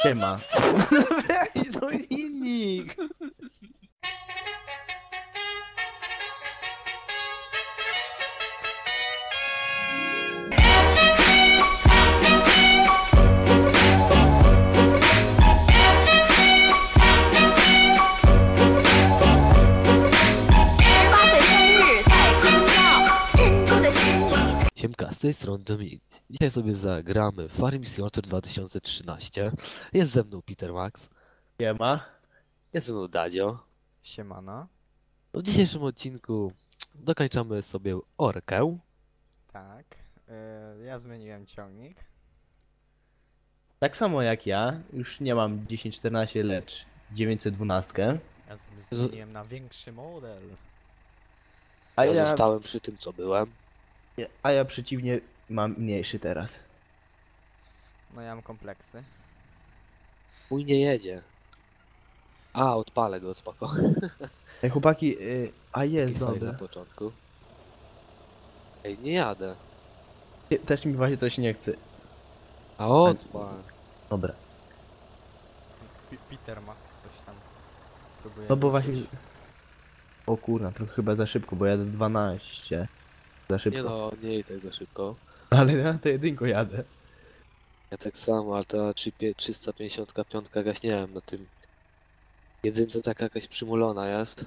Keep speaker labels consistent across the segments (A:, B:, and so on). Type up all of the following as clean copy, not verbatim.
A: Siema. No innik.
B: Siemka, z tej strony Dominik. Dzisiaj sobie zagramy Farming Simulator 2013. Jest ze mną Peter Max,
A: Siema.
B: jest ze mną Dadzio.
C: Siemano.
B: W dzisiejszym odcinku dokończamy sobie Orkę.
C: Tak. Ja zmieniłem ciągnik.
A: Tak samo jak ja, już nie mam 1014, lecz 912.
C: Ja sobie zmieniłem na większy model.
A: A
B: Ja
A: ja,
B: zostałem przy tym, co byłem.
A: a ja przeciwnie mam mniejszy teraz.
C: No ja mam kompleksy.
B: Mój nie jedzie. A, odpalę go, spoko.
A: Ej chłopaki, a jest,
B: Taki fajny
A: dobra.
B: na początku. Ej, nie jadę.
A: Też mi właśnie coś nie chce.
B: A odpal.
A: Dobra.
C: Peter Max coś tam próbuje
A: No bo
C: ruszyć.
A: właśnie... O kurna, trochę chyba za szybko, bo jadę 12. Za szybko.
B: Nie no, nie jedź tak za szybko.
A: Ale ja to jedynko jadę.
B: Ja tak samo, ale ta 355 jakaś, nie wiem, na tym jedynce taka jakaś przymulona jest.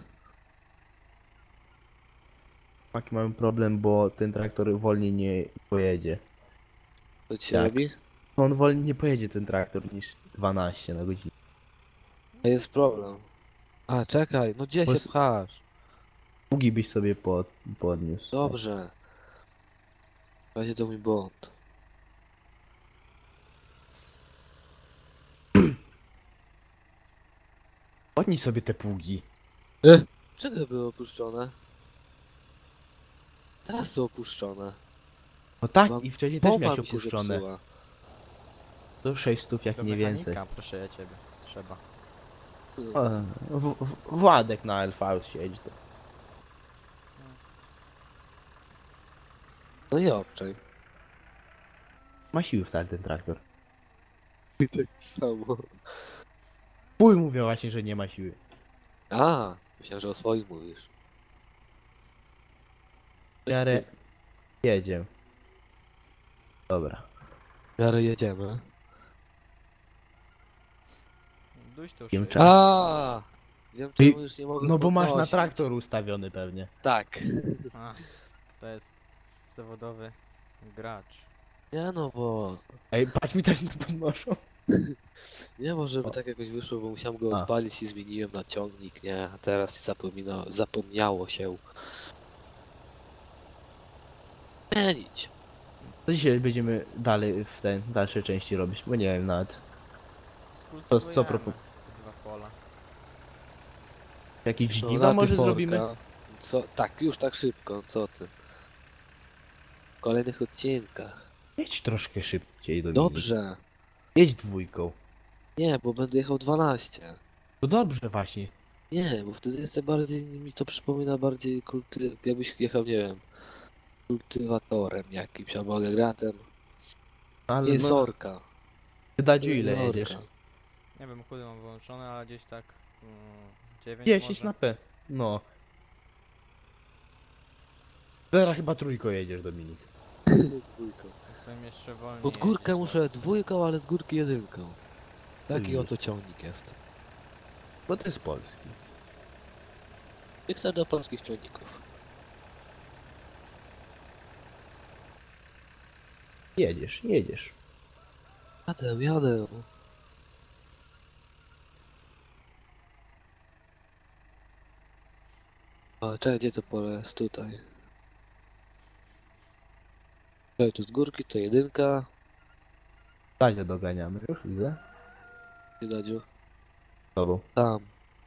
A: Chłopaki mamy problem, bo ten traktor wolniej nie pojedzie.
B: Co ci się
A: Tak.
B: robi?
A: On wolniej nie pojedzie ten traktor niż 12 na godzinę.
B: To jest problem. A, czekaj, no gdzie
A: Bo
B: się
A: s-
B: pchasz?
A: Długi byś sobie podniósł.
B: Dobrze. Będzie to mój błąd.
A: Podnieś sobie te pługi.
B: Czego były opuszczone? Teraz są opuszczone.
A: No tak,
B: Mam-
A: i wcześniej też
B: Pompa
A: miałeś
B: mi się
A: opuszczone.
B: zepsuła.
A: To 600 jak
C: Do
A: nie
C: mechanika,
A: więcej.
C: proszę ja ciebie. Trzeba.
A: O, Władek na LV siedzi. To.
B: No i obczaj.
A: Ma siły wcale ten traktor.
B: Tak samo.
A: Pój mówią właśnie, że nie ma siły.
B: A, myślałem, że o swoim mówisz.
A: W miarę jedzie. Dobra.
B: W miarę jedziemy.
C: Duś tu
A: Wiem,
C: szyję.
A: czas.
B: A, wiem
A: I-
B: czemu już nie mogę
A: No bo masz na
B: podnosić.
A: traktor ustawiony pewnie.
B: Tak.
C: A, to jest zawodowy gracz.
B: Nie no, bo...
A: Ej, patrz mi też nie podnoszą.
B: Nie może by
A: O.
B: tak jakoś wyszło, bo musiałem go
A: A.
B: odpalić i zmieniłem na ciągnik, nie? A teraz zapomniało się. Zmienić.
A: Co dzisiaj będziemy dalej w ten dalsze części robić? Bo nie wiem nawet.
C: Skultywujemy
A: propos-
C: dwa pola.
A: Jakieś
B: No,
A: żniwa może
B: najpierw
A: zrobimy?
B: orka. Co? Tak, już tak szybko, co ty? W kolejnych odcinkach.
A: Jedź troszkę szybciej do
B: Dobrze.
A: Jedź dwójką.
B: Nie, bo będę jechał 12.
A: To dobrze właśnie.
B: Nie, bo wtedy jest bardziej, mi to przypomina bardziej jakbyś jechał, nie wiem, kultywatorem jakimś albo agregatem.
A: Ale
B: Jest
A: no,
B: orka.
A: Dadziu ile
B: Orka.
A: jedziesz?
C: Nie wiem, chudy mam wyłączone, ale gdzieś tak 9
A: 10
C: może.
A: na P. No. Teraz chyba trójką jedziesz, Dominik.
B: Dwójką.
C: Powiem jeszcze wolniej.
B: Pod górkę
C: jeździć,
B: muszę dwójką, ale z górki jedynką. Taki
A: Mhm.
B: oto ciągnik jest.
A: Bo to jest polski.
B: Mikser do polskich ciągników.
A: Jedziesz, jedziesz.
B: Jadę. O, czekaj, gdzie to pole jest? Tutaj. Czekaj, tu z górki, to jedynka.
A: Dadzie doganiamy. Już widzę.
B: Gdzie Dadziu?
A: Z tobą.
B: Tam.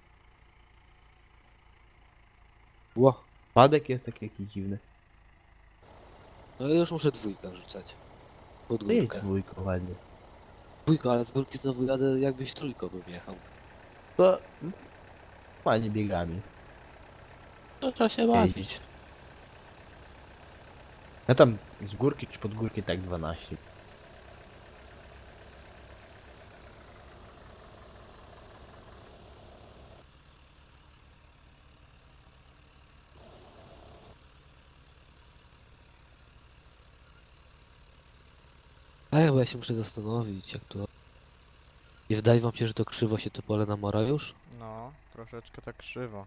B: Ło.
A: Padek jest taki jakiś dziwny.
B: No i już muszę dwójkę wrzucać. Pod
A: To jedź
B: górkę.
A: dwójką ładnie.
B: Dwójką, ale z górki znowu jadę jakbyś trójką bym jechał.
A: To... Ładnie biegami.
B: To trzeba się bawić.
A: Ja tam z górki czy pod górki tak 12.
B: Bo ja się muszę zastanowić, jak to... Nie wydaje wam się, że to krzywo się to pole namora już?
C: No, troszeczkę tak krzywo.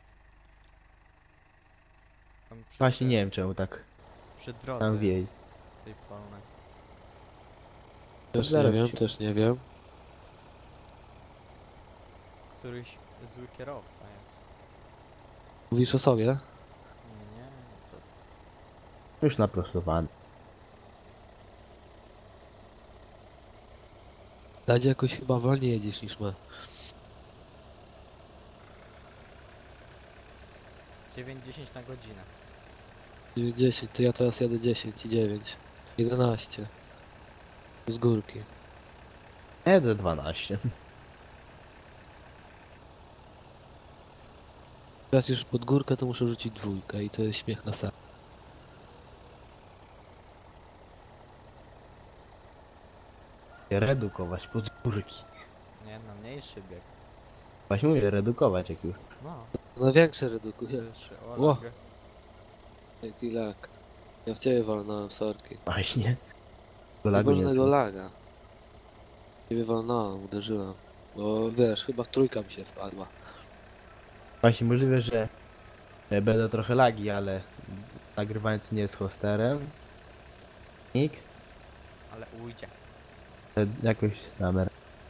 C: Tam
A: Właśnie nie wiem czemu tak.
C: przy drodze
A: tam wieje.
C: jest tej polnej.
B: Też nie
A: Zaraz
B: wiem,
A: się-
B: też nie wiem.
C: Któryś zły kierowca jest.
B: Mówisz o sobie?
C: Nie, co?
A: Już naprostowany.
B: Dadzie jakoś chyba wolniej jedziesz niż my.
C: 9-10 na godzinę.
B: 10, to ja teraz jadę 10 i 9. 11. Z górki.
A: Jedę 12.
B: Teraz już pod górkę to muszę rzucić dwójkę i to jest śmiech na sali.
A: Redukować podwórki.
C: Nie, na mniejszy bieg.
A: Właśnie mówię, redukować jak już.
C: No,
B: No większe redukuje.
C: pierwszy
B: Ło.
C: Olag.
B: Jaki lag. Ja w ciebie walnąłem, sorki.
A: Właśnie. Do lagu nie
B: Wolnego
A: czuł.
B: laga. Ciebie walnąłem, uderzyłem. Bo wiesz, chyba trójka mi się wpadła.
A: Właśnie możliwe, że będą trochę lagi, ale nagrywając nie z hosterem. Nick,
C: Ale ujdzie.
A: jakoś namer.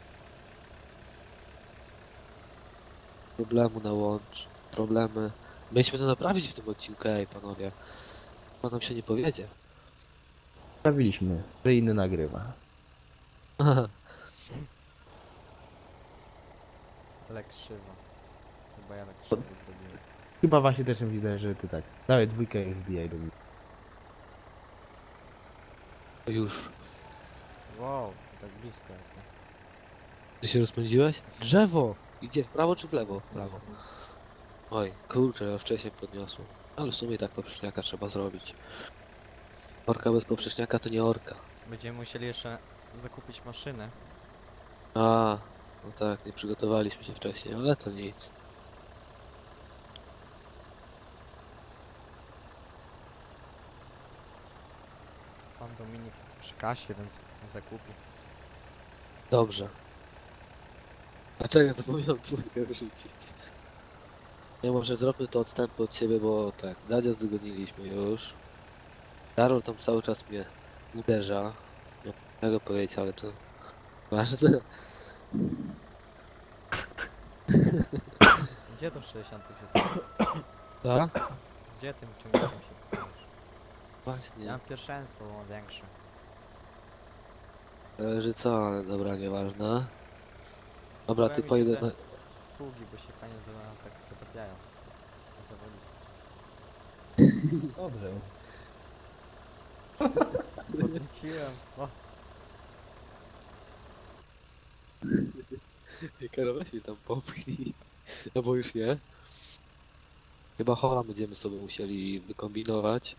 B: Problemu na łącz. Problemy. Mieliśmy to naprawić w tym odcinku, ej panowie. Chyba nam się nie powiedzie.
A: Sprawiliśmy, że inny nagrywa.
C: Ale krzywo. Chyba ja tak krzywo zrobiłem.
A: Chyba właśnie też widzę, że ty tak. Dawaj dwójkę i wbijaj do mnie.
B: Już.
C: Wow, tak blisko jest, nie?
B: Ty się rozpędziłeś? Drzewo! Idzie w prawo czy w lewo? W prawo. Oj, kurczę, ja wcześniej podniosłem. Ale w sumie i tak poprzeczniaka trzeba zrobić. Orka bez poprzeczniaka to nie orka.
C: Będziemy musieli jeszcze zakupić maszynę.
B: A, no tak, nie przygotowaliśmy się wcześniej, ale to nic.
C: Pan Dominik jest przy kasie, więc zakupi.
B: Dobrze. Dlaczego zapomniałem dwójkę wyrzucić? Nie, może zróbmy to odstępy od siebie, bo tak, Dadia zdogoniliśmy już. Karol tam cały czas mnie uderza. Nie mogę go powiedzieć, ale to ważne.
C: Gdzie to 60 się
B: Tak?
C: Gdzie tym ciągnikiem się pchałeś? Ja
B: Właśnie.
C: mam pierwszeństwo, bo mam większe.
B: Że co, ale dobra, nieważne. Dobra, ty
C: Podobają mi się
B: pojedę
C: te
B: na...
C: Pługi, bo się fajnie tak zatapiają. Zawodiste.
A: Dobrze.
C: Podnieciłem. O,
B: Karol, weź mi tam popchnij. No bo już nie. Chyba hola będziemy sobie musieli wykombinować.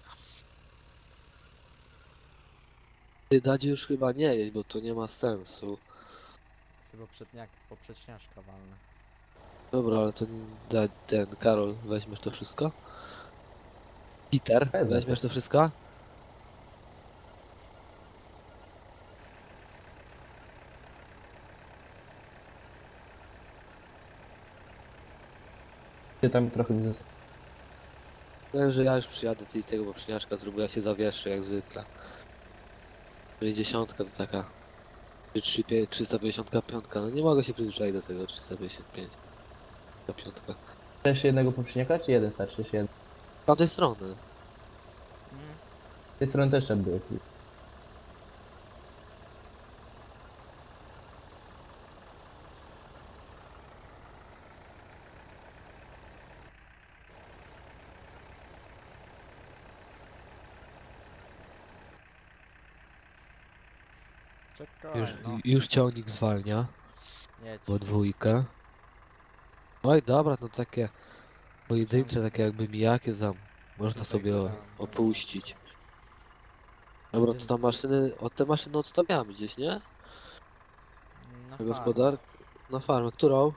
B: Ty Dadzie już chyba nie jeść, bo to nie ma sensu.
C: sobie poprzeczniaczka walnę.
B: Dobra, ale ten Karol, weźmiesz to wszystko? Peter,
A: Wezmę.
B: weźmiesz to wszystko?
A: Ty tam trochę mi zostało.
B: Wiem, że ja już przyjadę i tego poprzedniaczka zrobię, ja się zawieszę jak zwykle. 60 to taka... 355, no nie mogę się przyzwyczaić do tego 355. Ta piątka.
A: Chcesz jednego poprzedniaka, czy jeden starczy? Jeszcze jeden.
B: Z tamtej strony.
A: Z tej strony też trzeba było.
C: Czekaj,
B: Już,
C: no.
B: już ciągnik zwalnia.
C: Jedź.
B: Po dwójkę. Oj, dobra, no takie pojedyncze, takie jakby mijakie tam można
C: Tutaj
B: sobie
C: chciałem,
B: opuścić. Dobra, to tam maszyny, te maszyny odstawiamy gdzieś, nie?
C: Na
B: Na gospodar...
C: farmę.
B: Na farmę, którą?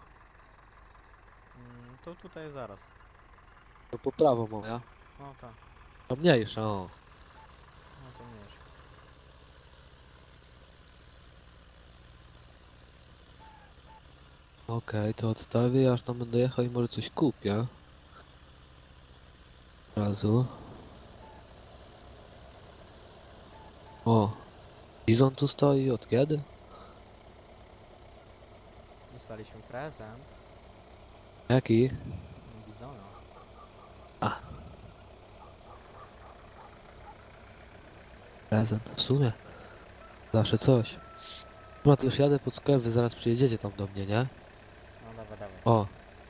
C: To tutaj zaraz.
B: No po prawo moja.
C: No tak,
B: To mniejsza, o.
C: no to mniejsze.
B: Okej, to odstawię, aż tam będę jechał i może coś kupię. Od razu. O, Bizon tu stoi, od kiedy?
C: Dostaliśmy prezent.
B: Jaki?
C: Bizona.
B: A. Prezent, w sumie. Zawsze coś. Dobra, to już jadę pod sklep, wy zaraz przyjedziecie tam do mnie, nie?
C: No dawaj, dawaj.
B: O.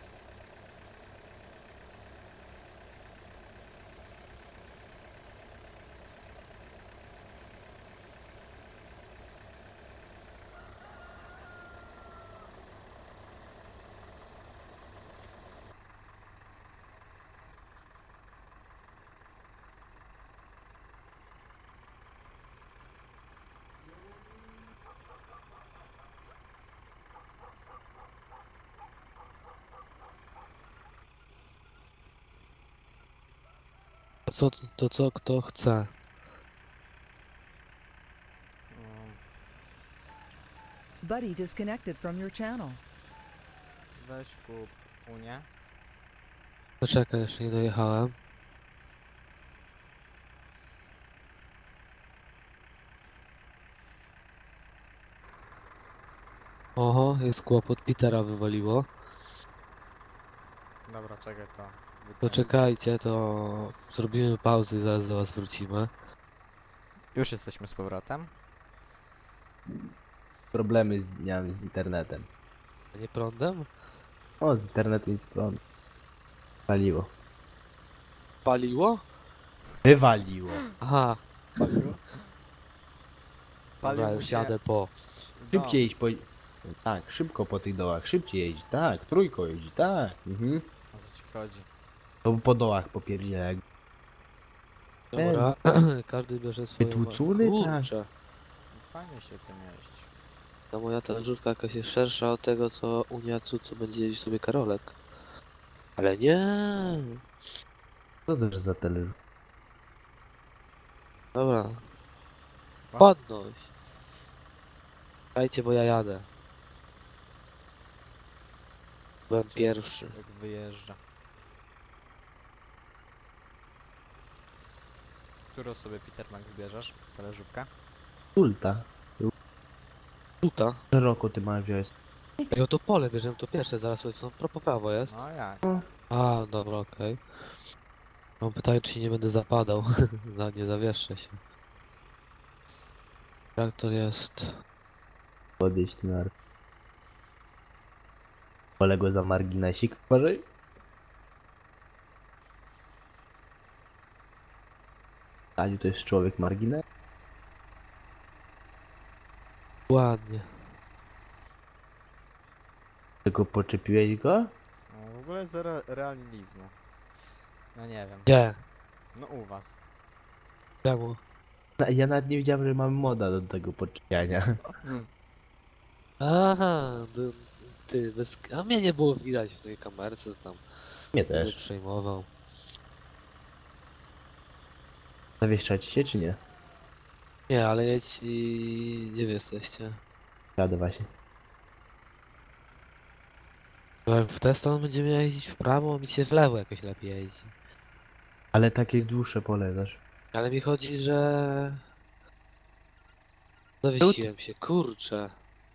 B: To co kto chce?
C: Mm,
D: Buddy disconnected from your channel.
C: Weź kup Unię.
B: Poczekaj, jeszcze nie dojechałem. Oho, jest kłopot, Petera wywaliło.
C: Dobra, czekaj to.
B: To czekajcie, to zrobimy pauzę i zaraz do was wrócimy.
C: Już jesteśmy z powrotem.
A: Problemy miałem z internetem.
B: A nie prądem?
A: O, z internetu nic prąd. Waliło.
B: Paliło?
A: Wywaliło.
B: Aha,
C: Paliło?
B: dobra, już jadę po.
A: Szybciej iść po... Tak, szybko po tych dołach. Szybciej jeździ, tak. Trójko jeździ, tak. Mhm.
C: O co ci chodzi?
A: To po dołach popierdzielę.
B: Dobra, każdy bierze swoją...
A: Wytłuczony?
B: Kurczę,
C: No fajnie się tym jeździ.
B: ta moja talerzówka jakaś jest szersza od tego, co Uniacu, co będzie jeździć sobie Karolek. Ale nie.
A: Co to za talerz?
B: Dobra,
C: O.
B: podnoś. Dajcie, bo ja jadę. Byłem pierwszy.
C: Jak wyjeżdża. Którą sobie Peter Max bierzesz? Talerzówkę?
A: Sulta.
B: Tuta.
A: Szeroko ty masz wziąć.
B: Ej, o to pole bierzemy to pierwsze, zaraz co po prawo jest.
C: No jak?
B: A, dobra, okej. Mam pytanie, czy nie będę zapadał. Nie zawieszczę się. Traktor jest...
A: Podejść na... Poległe za marginesik. Uważaj. Aniu to jest człowiek margines?
B: Ładnie.
A: Tylko poczepiłeś go?
C: No, w ogóle zero realizmu. No nie wiem.
B: Gdzie?
C: No u was.
B: Czemu?
A: Ja nawet nie wiedziałem, że mamy moda do tego podczepiania.
B: Aha, ty, bez... A mnie nie było widać w tej kamerce, co tam
A: Mnie
B: nie
A: też.
B: przejmował.
A: Zawieszczać się czy nie?
B: Nie, ale jedź i... Gdzie wy jesteście?
A: Jadę właśnie.
B: Bo jak w tę stronę będziemy jeździć w prawo, mi się w lewo jakoś lepiej jeździ.
A: Ale takie jest dłuższe pole, wiesz.
B: Ale mi chodzi, że... Zawiesiłem się, kurczę.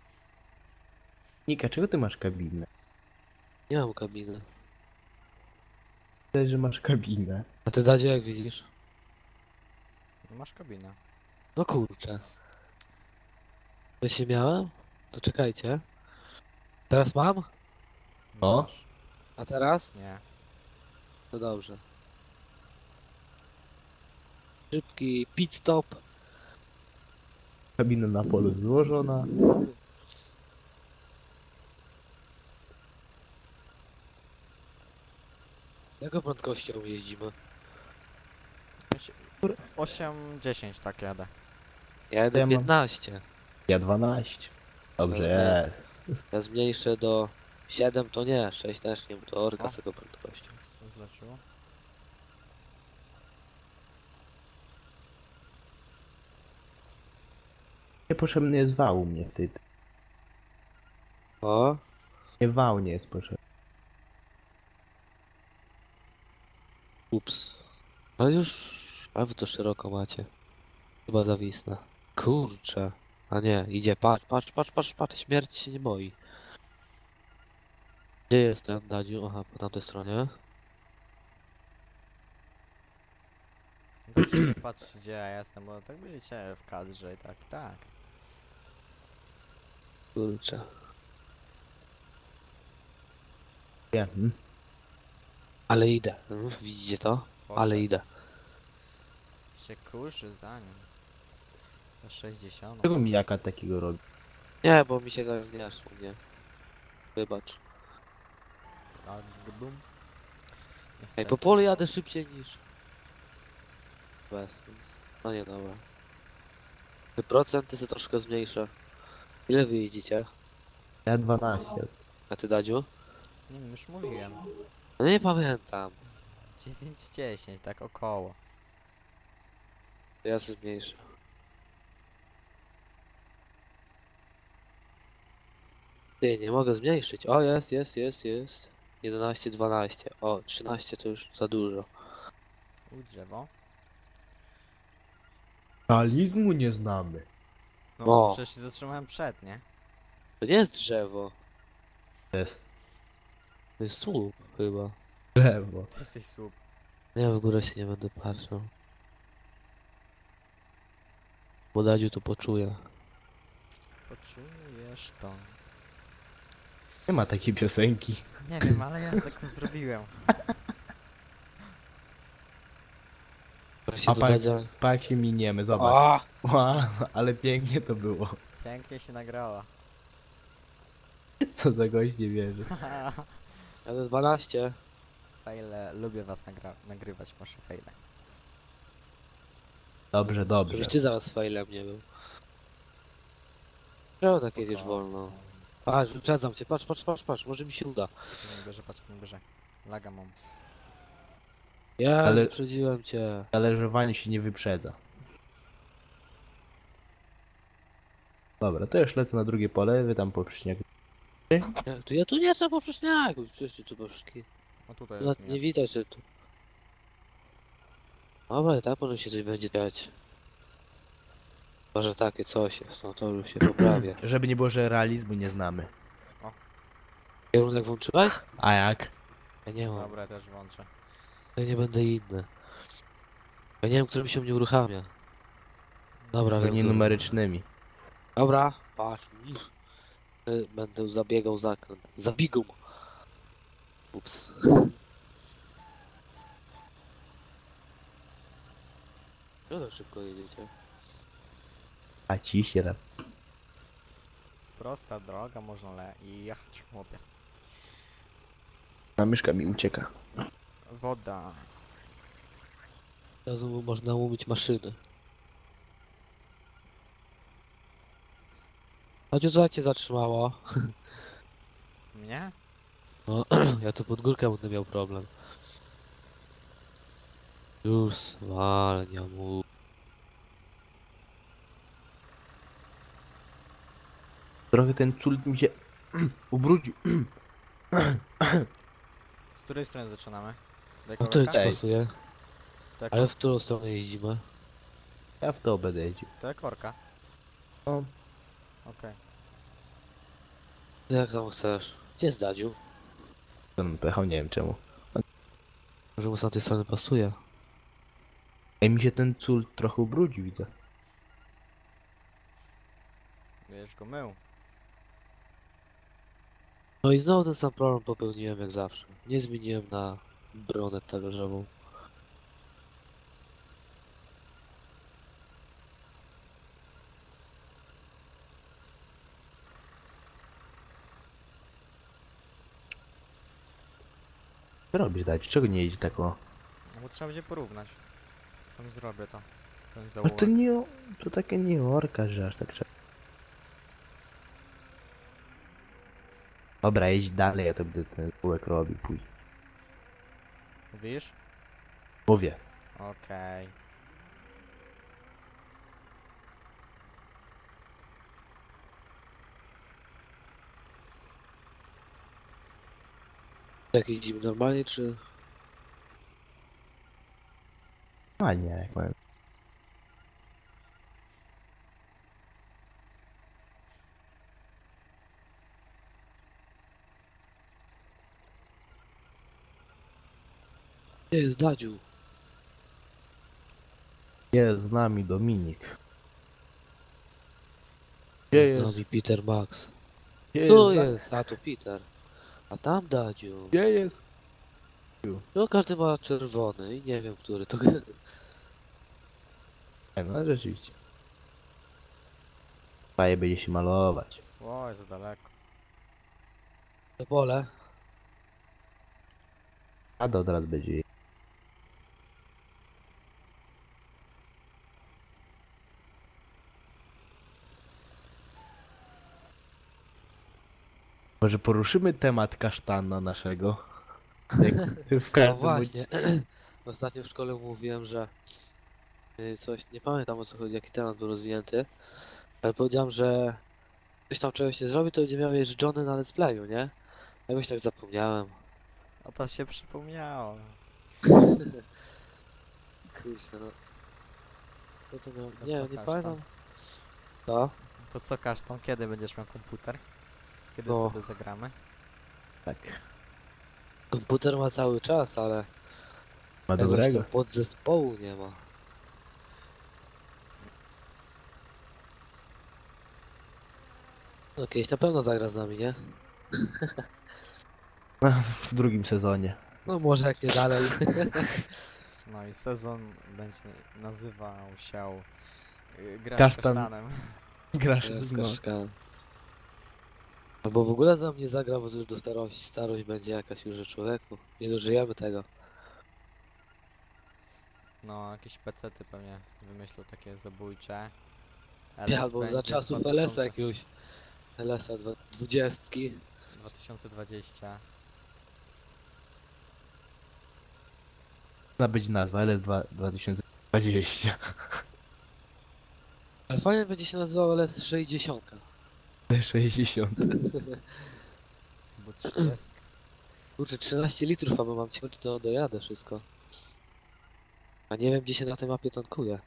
A: Nika, czego ty masz kabinę?
B: Nie mam kabiny.
A: Widać, że masz kabinę.
B: A ty, Dadzie, jak widzisz?
C: No masz kabinę.
B: No kurczę. To się miałem? To czekajcie. Teraz mam?
A: O.
C: Masz.
B: A teraz?
C: Nie.
B: To dobrze. Szybki pit stop.
A: Kabina na polu złożona.
B: Jaką prędkością jeździmy?
C: 8-10 tak jadę.
B: Ja jedę
A: Ja mam-
B: 15.
A: Ja 12. Dobrze
B: Rozumiem.
A: jest.
B: Ja zmniejszę do 7 to nie, 6 też nie, bo to orka
C: O.
B: z tego prędkością.
C: Co zleciło?
A: Niepotrzebny jest wał u mnie w tej...
B: O,
A: Nie wał nie jest potrzebny.
B: Ups. Ale już... A wy to szeroko macie. Chyba zawisnę. Kurczę. A nie, idzie, patrz, śmierć się nie boi. Gdzie jest ten Dadziu? Aha, po tamtej stronie.
C: Tak się nie patrzcie gdzie ja jestem, bo tak będziecie w kadrze i tak, tak.
B: Kurczę.
A: Nie.
B: Ale idę. Widzicie to? Ale
C: Poszedł.
B: idę.
C: Się kurzy za nim. Do 60.
A: Czego mi jaka takiego robi?
B: Nie, bo mi się tak nie szło, nie. Wybacz.
C: A bum.
B: Ej,
C: Niestety.
B: po polu jadę szybciej niż... Bez sens. No nie, dobra. Te procenty sobie troszkę zmniejszę. Ile wy jeździcie?
A: Ja 12.
B: A ty, Dadziu?
C: Nie wiem, już mówiłem.
B: No nie pamiętam.
C: 9-10, tak około.
B: To ja sobie zmniejszę. Ty, nie mogę zmniejszyć. O, jest. 11, 12. O, 13 to już za dużo.
C: Drzewo.
A: Realizmu nie znamy.
C: No,
B: O.
C: przecież się zatrzymałem przed, nie?
B: To nie jest drzewo.
A: To jest
B: To jest słup chyba.
A: drzewo.
C: Ty jesteś słup.
B: Ja w górę się nie będę patrzył. Bo Dadziu to poczuje.
C: Poczujesz to.
A: Nie ma takiej piosenki.
C: Nie wiem, ale ja tak zrobiłem.
B: Proszę
A: A
B: do
A: pan-
B: Dadzia.
A: Pa jak się miniemy, zobacz.
B: A!
A: Ła, ale pięknie to było.
C: Pięknie się nagrała.
A: Co za gość nie wierzy.
B: Jadę 12.
C: Fejle, lubię was nagrywać, wasze fejle.
A: Dobrze, dobrze.
B: Żebyś ty zaraz failem nie był. Czemu tak jedziesz
C: Spoko.
B: wolno? Patrz, wyprzedzam cię, patrz, może mi się uda.
C: Nie bierze, patrz jak nie bierze. Laga mam.
B: Ja
A: Ale-
B: wyprzedziłem cię.
A: Zależowanie się nie wyprzedza. Dobra, to już lecę na drugie pole, wy tam po przyśniegu.
B: Ja tu nie chcę poprzeczniaku, przecież tu poszki.
C: No tutaj
B: No,
C: jest
B: nie widać, że tu. Dobra, i tak może się coś będzie dać. Może takie coś jest, no to już się poprawia.
A: Żeby nie było, że realizmu nie znamy.
B: Kierunek włączyłeś?
A: A jak?
B: Ja nie mam,
C: Dobra, ja też włączę.
B: ja nie będę inny. Ja nie wiem, którym się mnie uruchamia. Dobra, wiem,
A: Nie
B: który.
A: numerycznymi.
B: Dobra, patrz. Będę zabiegał zakręt. Zabigum. Ups. No tak szybko jedziecie.
A: A ci się tam.
C: Prosta droga, można i jechać, chłopie.
A: A myszka mi ucieka.
C: Woda.
B: Od razu można umyć maszyny. Chodź, co cię zatrzymało?
C: Mnie?
B: No, ja tu pod górkę będę miał problem. Już, walnia mu.
A: Trochę ten cult mi się ubrudził.
C: Z której strony zaczynamy? Do
B: No to ci
C: korka?
A: Ej.
B: pasuje.
C: To
B: Ale w którą stronę jeździmy?
A: Ja w to będę jeździł.
C: To korka.
A: No,
C: Okej.
B: Jak tam chcesz? Gdzie jest Dadziu?
A: to bym pojechał, nie wiem czemu.
B: Może mu z tamtej strony pasuje?
A: Ej, mi się ten cult trochę ubrudził, widzę.
C: Wiesz go mył.
B: No i znowu ten sam problem popełniłem jak zawsze. Nie zmieniłem na bronę talerzową.
A: Co robisz, dać? Czego nie jeździ tak o?
C: No bo trzeba będzie porównać. Tam zrobię to. Ten
A: No
C: zaułek.
A: to nie, to takie nie orka, że aż tak trzeba. Dobra, jedź dalej, ja to będę ten kółek robił później.
C: Mówisz?
A: Mówię.
C: Okej.
B: Jak jeździmy normalnie, czy...
A: A nie, jak powiem.
B: Gdzie jest Dadziu?
A: Jest z nami Dominik. Gdzie
B: Jest z
A: jest?
B: nami Peter Max.
A: Gdzie
B: Tu
A: jest?
B: jest, a tu Peter. A tam Dadziu.
A: Gdzie jest?
B: No każdy ma czerwony i nie wiem, który to...
A: No rzeczywiście. Faje będzie się malować.
C: Oj, za daleko.
B: To pole.
A: A do od razu będzie. Może poruszymy temat kasztana naszego? Jak w
B: No
A: każdym
B: właśnie. Ostatnio w szkole mówiłem, że coś, nie pamiętam o co chodzi, jaki temat był rozwinięty, ale powiedziałem, że ktoś tam czegoś nie zrobi, to będzie miał jeżdżony na let's playu, nie? Jakoś tak zapomniałem.
C: A to się przypomniało.
B: Kurczę, no. Co to miał?
C: To
B: Nie,
C: co,
B: nie
C: kasztan?
B: pamiętam. Co?
C: To co, Kasztan, kiedy będziesz miał komputer? Kiedy
B: No.
C: sobie zagramy?
A: Tak.
B: Komputer ma cały czas, ale
A: Ma
B: jakoś
A: dobrego.
B: tam podzespołu nie ma. No kiedyś na pewno zagra z nami, nie?
A: W drugim sezonie.
B: No może jak nie dalej.
C: No i sezon będzie nazywał się Gra z
A: Kasztan.
C: Kasztanem.
A: Grasz
B: Z
A: no.
B: kaszkanem. Albo w ogóle za mnie zagra, bo to już do starość będzie jakaś już, że człowieku. Nie dożyjemy tego.
C: No, jakieś pecety pewnie wymyślą takie zabójcze.
B: Ja, albo za
C: będzie
B: czasów
C: 2000
B: LS-a jakiegoś. LS-a 20.
C: 2020.
A: Ma być nazwa LS2 2020.
B: Ale fajnie będzie się nazywał LS 60.
A: 60.
C: Bo 30.
B: Kurczę, 13 litrów, a mam cię, czy to dojadę wszystko. A nie wiem, gdzie się na tej mapie tankuje.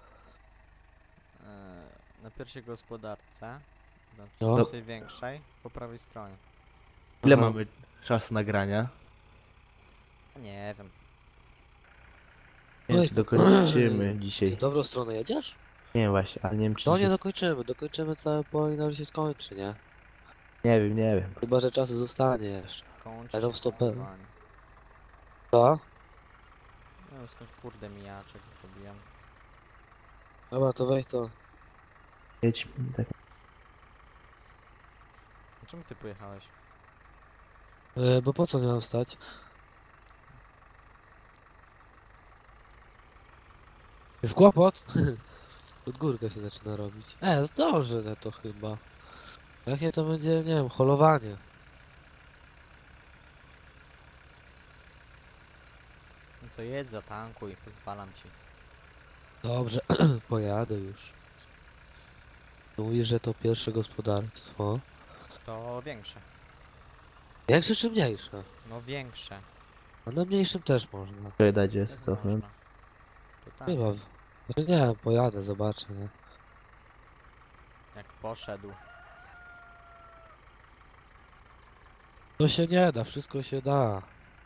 C: Na pierwszej gospodarce, znaczy
B: No.
C: na tej większej, po prawej stronie.
A: Ile
B: Aha.
A: mamy czasu nagrania?
C: Nie wiem.
A: Nie wiem,
B: Oj.
A: czy dokończymy
B: Ty
A: dzisiaj.
B: w dobrą stronę jedziesz?
A: Nie wiem właśnie, ale nie wiem czy
B: No nie
A: dzisiaj...
B: dokończymy całe pole i nawet się skończy, nie?
A: Nie wiem.
B: Chyba, że czasu zostanie jeszcze.
C: Kończy
B: Ale tam
C: się
B: stoper.
C: nagrywanie.
B: Co?
C: Nie wiem skądś kurde mijaczek zrobiłem.
B: Dobra, to weź to.
A: Jedź, tak.
C: A czemu ty pojechałeś?
B: Bo po co miałem stać? Jest kłopot? Pod górkę się zaczyna robić. Zdążę na to chyba. Jak nie to będzie, nie wiem, holowanie.
C: No to jedź, zatankuj, pozwalam ci.
B: Dobrze, pojadę już. Mówisz, że to pierwsze gospodarstwo.
C: To większe.
B: Większe czy mniejsze?
C: No większe.
B: A na mniejszym też można.
A: Czekaj, dajcie,
C: Jak
A: cofnę.
C: można. To tak,
B: Chyba. Znaczy nie, pojadę, zobaczę, nie?
C: jak poszedł.
B: To się nie da, wszystko się da.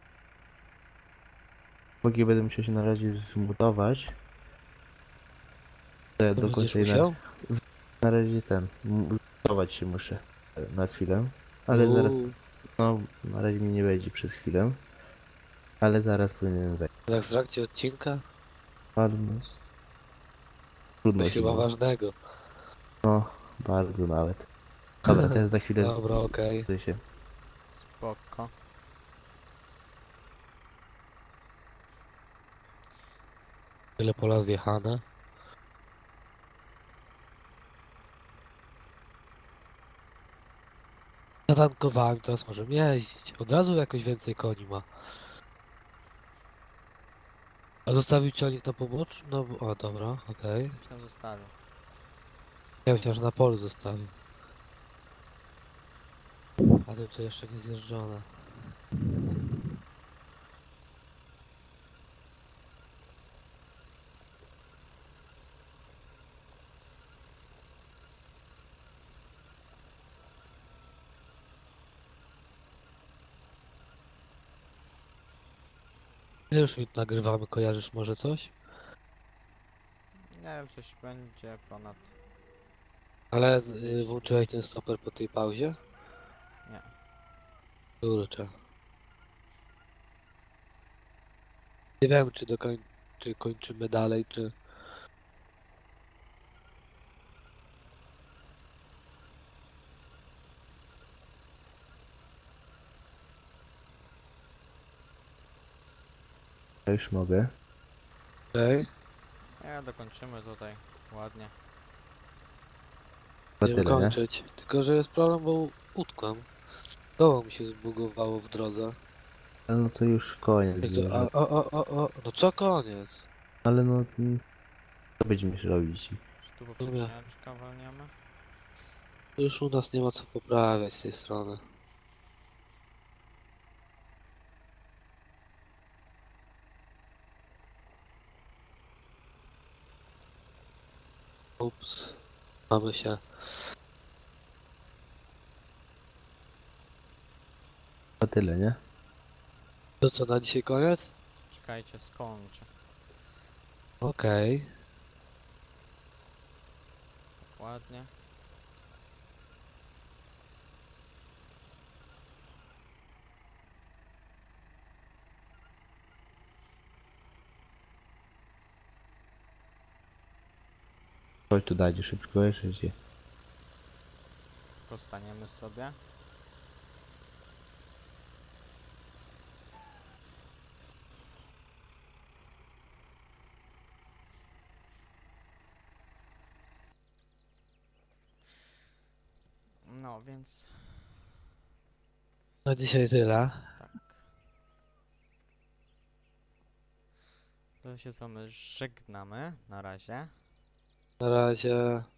A: Póki będę musiał się na razie zmutować. To ja
B: To
A: do
B: będziesz
A: końca
B: musiał?
A: na razie zmutować się muszę na chwilę. Ale zaraz,
B: Uuu,
A: no na razie mi nie będzie przez chwilę. Ale zaraz powinienem wejść.
B: tak w trakcie odcinka?
A: Trudno. Trudno
B: Coś
A: się
B: chyba
A: mówi.
B: ważnego.
A: No, bardzo nawet. Dobra, teraz za chwilę
B: Dobra, okej.
A: zmutuję się.
C: Spoko.
B: Tyle pola zjechane. Zatankowałem, teraz możemy jeździć. Od razu jakoś więcej koni ma. A zostawił ciągnik na poboczu? No, o dobra, okej.
C: Już tam zostawię.
B: Ja myślałem, że na polu zostawił. A tym co jeszcze nie zjeżdżone. Już mi nagrywamy, kojarzysz może coś?
C: Nie wiem, coś będzie ponad...
B: Ale
C: Jeśli-
B: włączyłeś ten stoper po tej pauzie?
C: Nie.
B: Kurczę. Nie wiem, czy kończymy dalej, czy...
A: Ja już mogę.
B: Okej.
C: Nie, dokończymy tutaj ładnie.
A: To
B: Będziemy
A: tyle, nie?
B: kończyć. Tylko, że jest problem, bo utkłem. Koło mi się zbugowało w drodze.
A: Ale no to już koniec.
B: Jak to,
A: Już.
B: no co koniec?
A: Ale no... Co będziemy robić?
C: Czy tu
B: Dobra.
C: poprzeczniaczka walniemy?
B: Już u nas nie ma co poprawiać z tej strony. Ups. Mamy się.
A: To tyle, nie?
B: To co, na dzisiaj koniec?
C: Czekajcie, skończę.
B: Okej.
C: Ładnie.
A: Chodź tu dajcie szybko, jeszcze się.
C: Postaniemy sobie. No, więc
B: Na dzisiaj tyle.
C: tak. To się z wami żegnamy na razie.
B: Na razie.